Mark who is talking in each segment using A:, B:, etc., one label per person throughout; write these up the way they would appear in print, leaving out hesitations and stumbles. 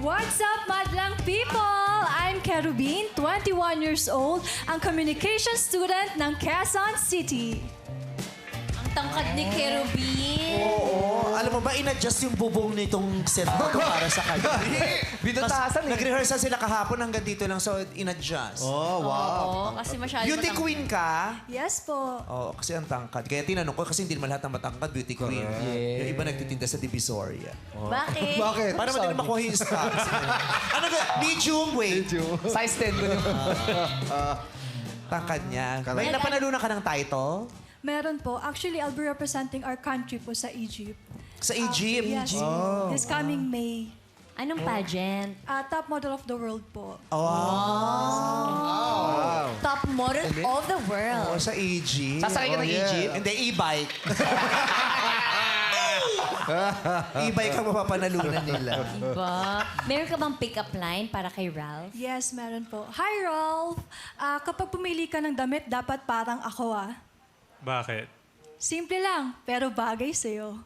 A: What's up, madlang people? I'm Kerubin, 21 years old, ang communication student ng Quezon City.
B: Ang tangkad ni Kerubin.
C: Oo. Alam mo ba, in-adjust yung bubong nitong set na to para sa kanya.
D: Binutasan
C: Nag-rehearsal sila kahapon hanggang dito lang, so in-adjust.
D: Oh, wow.
B: Oo, kasi masyado
C: Beauty queen ka?
A: Yes po.
C: Oo, kasi ang tangkad. Kaya tinanong ko, kasi hindi naman lahat ng matangkad beauty queen. Yung iba nagtitinda sa Divisoria.
B: Bakit?
D: Bakit?
C: Para madali makuha yung stocks. Ano ka? Medium, wait.
D: Size 10 ko yung...
C: Tangkad niya. May napanalunan ka ng title?
A: Meron po. Actually, I'll be representing our country po sa Egypt.
C: Sa Egypt?
A: Yes. This coming May.
B: Anong pageant?
A: Top model of the world po.
B: Top model of the world.
C: Oo, sa Egypt.
D: Sasakay ka ng Egypt?
C: Hindi, e-bike. E-bike ang mapapanalunan nila.
B: Diba? Meron ka bang pick-up line para kay Ralph?
A: Yes, meron po. Hi, Rolf. Kapag pumili ka ng damit, dapat parang ako
E: Bakit?
A: Simple lang, pero bagay sa'yo.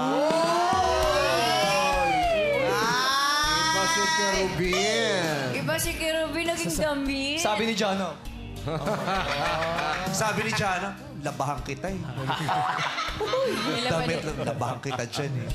D: Iba si Kerubin.
B: Iba si Kerubin naging damit.
D: Sabi ni Jono.
C: Sabi ni Jana, labahan kita eh. Damit lang, labahan kita dyan eh.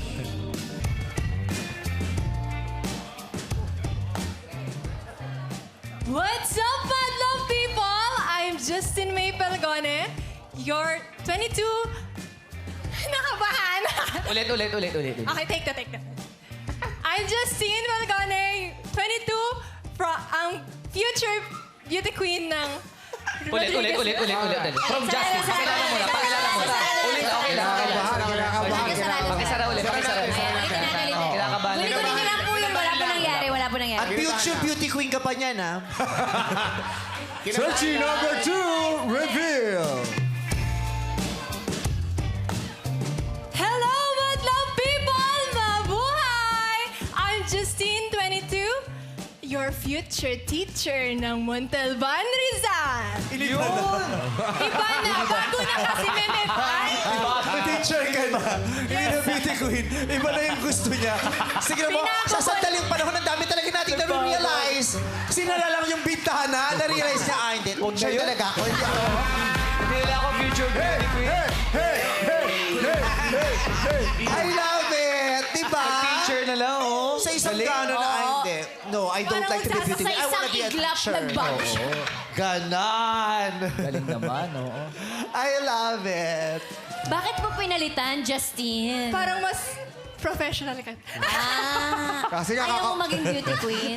A: What's up, madlang people? I'm Justin May Pelgone. You're 22. Nakabahan.
D: Ulit.
A: Okay, take that. I'm Justine Pelgone, 22, ang future beauty queen ng
D: Ulit. From Justice. Pakilala mo na. Ulit, okay lang. Pakisara ulit. Kinakabahan.
B: Kunin ko lang po yun. Wala po nangyari.
C: At future beauty queen ka pa niyan, ha?
D: Searching number 2, reveal.
A: Hello, madlang people! Mabuhay! I'm Justine, 22, your future teacher ng Montalban, Rizal.
C: Yun!
A: Iba na, bago na kasi Memetan.
C: Teacher ka na. Hindi na beauty queen. Iba na yung gusto niya. Sige mo, sa sandaling panahon, ang dami talaga natin na-realize. Sinala lang yung bintana, na-realize niya, hindi. Teacher talaga ako.
D: Hindi nila ako future beauty queen.
C: I love it! Diba?
D: Teacher na lang, oh.
C: Sa isang gano'n na, hindi. No, I don't like to be beauty queen. I wanna be a teacher. Ganon.
D: Galing naman, oo.
C: I love it.
B: Bakit mo pinalitan, Justine?
A: Parang mas professional ka.
D: Kasi nga
B: Ayaw mo maging beauty queen.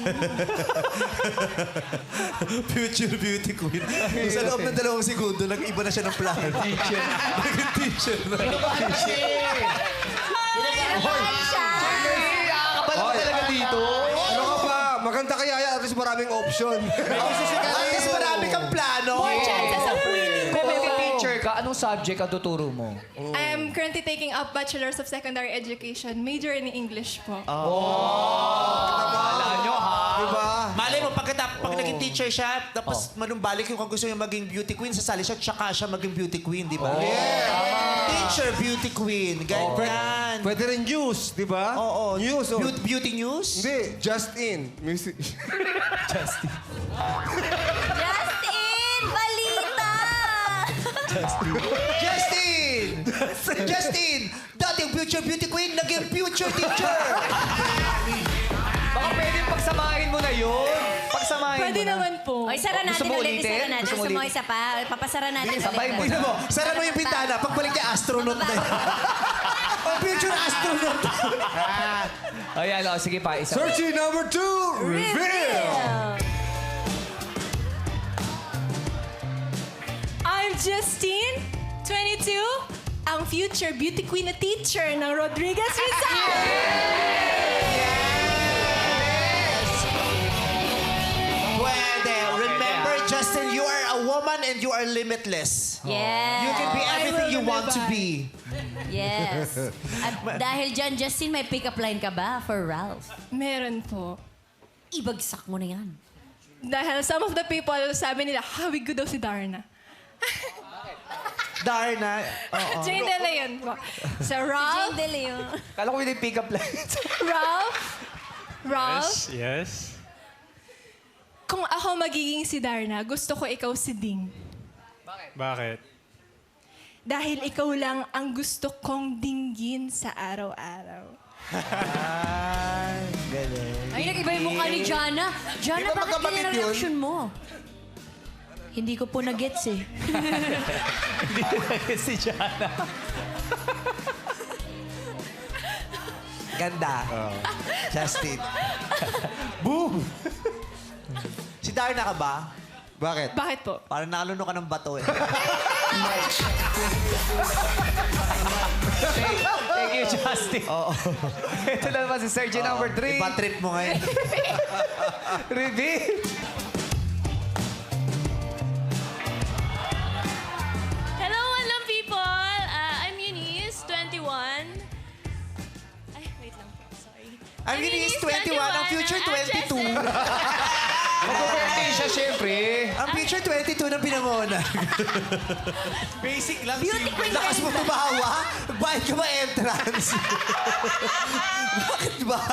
C: Future beauty queen. Sa loob ng 2 segundo, nag-iba na siya ng plano. Teacher. Naging teacher na.
B: Kinabahan siya.
D: Nakakabala ka talaga dito.
F: Ano ka ba? Maganda kaya yan. At least maraming option.
C: At least marami kang plano.
A: More chances of winning.
D: Kung may teacher ka, anong subject ang tuturo mo?
A: I'm currently taking up Bachelor's of Secondary Education, major in English po.
D: Wala nyo, ha?
F: Diba?
C: Malay mo, pag naging teacher siya, tapos manumbalik yung kung gusto niya maging beauty queen, sasali siya, tsaka siya maging beauty queen, di ba? Teacher, beauty queen, ganyan.
F: Pwede rin news, di ba?
C: Oo.
F: News. Oh.
C: Beauty news?
F: Hindi, just in. Music.
B: Justin! Balita!
C: Justin! Dating future beauty queen, naging future teacher!
D: Baka pwede pagsamahin mo na yun. Pagsamahin
A: Pwede
D: mo na.
A: naman po.
B: O, isara
D: Gusto
B: natin
D: mo
B: ulit.
D: ulitin?
B: Isara natin.
D: Gusto mo
B: Gusto mo
D: ulitin?
B: isa pa? Papasara natin ulit.
D: sabay mo.
C: Tingnan mo, sara mo yung bintana, pagbalik niya, astronaut na yun. Oh, future astronaut!
D: Ayan, oh, sige pa. Isa.
F: Searching number 2, reveal.
A: I'm Justine, 22, ang future beauty queen na teacher ng Rodriguez Rizal.
C: Pwede. Remember, Justin, you are a woman and you are limitless.
B: Yes.
C: You can be everything you want to be.
B: Yes. At dahil dyan, Justin, may pick-up line ka ba for Ralph?
A: Meron po.
B: Ibagsak mo na yan.
A: Dahil some of the people, sabi nila, hawi good daw si Darna.
C: Darna.
A: Jane De Leon po. So,
B: Jane
A: Ralph,
B: De Leon.
D: Kala ko yung pick-up lines.
A: Ralph, Ralph,
E: Yes.
A: kung ako magiging si Darna, gusto ko ikaw si Ding.
E: Bakit?
A: Dahil ikaw lang ang gusto kong dinggin sa araw-araw.
B: Ay, nag-iba yung mukha ni Jana. Jana,
C: Di ba
B: bakit
C: magkapatid
B: ganyan ang
C: yun?
B: reaction mo? Hindi ko po na-gets eh.
D: si Jana.
C: Ganda. Justin. Boom! Si Darna ka ba? Bakit?
A: Bakit po?
C: Parang nakaluno ka ng bato eh.
D: Thank you, Justin. Ito na naman si Sergio number 3.
C: Iba trip mo ngayon.
D: Reveal.
G: Hello, hello people! I'm Eunice, 21. Ay, wait lang po. Sorry.
C: Ang Eunice, 21. Ang future, 22.
D: Mag-birthday siya, syempre.
C: Ang future, 22 ng pinangona. Basic lang.
B: Beauty queen
C: Lakas mo
B: ka.
C: tumawa. Bayad ka ba entrance? Bakit ba?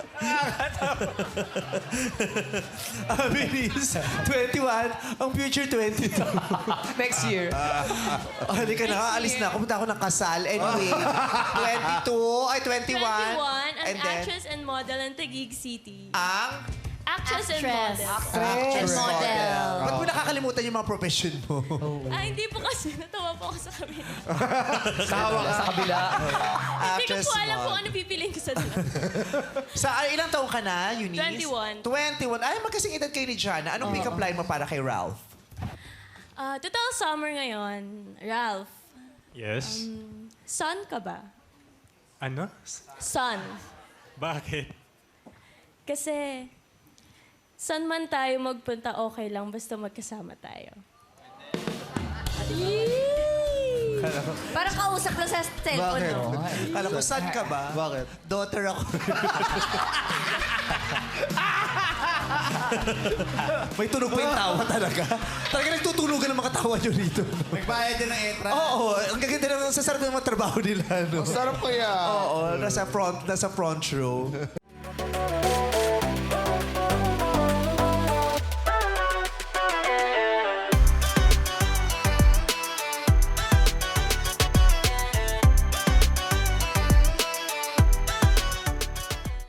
C: Ang Eunice, 21. Ang future, 22.
D: Next year.
C: Hindi ka na. Alis na. Pumunta ako ng kasal. Anyway, 22. Ay, 21.
G: 21, an
C: And then,
G: actress and model in Taguig City.
C: ang
G: Actress and
B: Actress.
G: model.
B: And model.
C: Ba't mo nakakalimutan yung mga profession mo?
G: Ah, hindi po kasi. Natawa po ako sa kabila.
D: Sa kabila.
G: Hindi ko
C: Actress
G: po alam
C: mo.
G: kung ano pipiliin ko sa dalawa.
C: Ilang taong ka na, Eunice?
G: 21.
C: 21. Ay, magkasing edad kayo ni Jana. Anong pick-up line mo para kay Ralph?
G: Total summer ngayon. Ralph,
E: Yes.
G: son ka ba?
E: Ano?
G: Son.
E: Bakit?
G: Kasi, saan man tayo magpunta, okay lang. Basta magkasama tayo.
B: Parang kausap lang sa cellphone, no?
C: Alam mo, saan ka ba? Bakit? Daughter ako. May tunog pa yung tawa talaga. Talaga nagtutunugan ng mga tawa nyo rito.
F: Nagbayad din ng entrance.
C: Oo, ang gaganda naman sa sarap ng mga trabaho nila. No?
F: Sarap kaya.
C: Oo, nasa front row.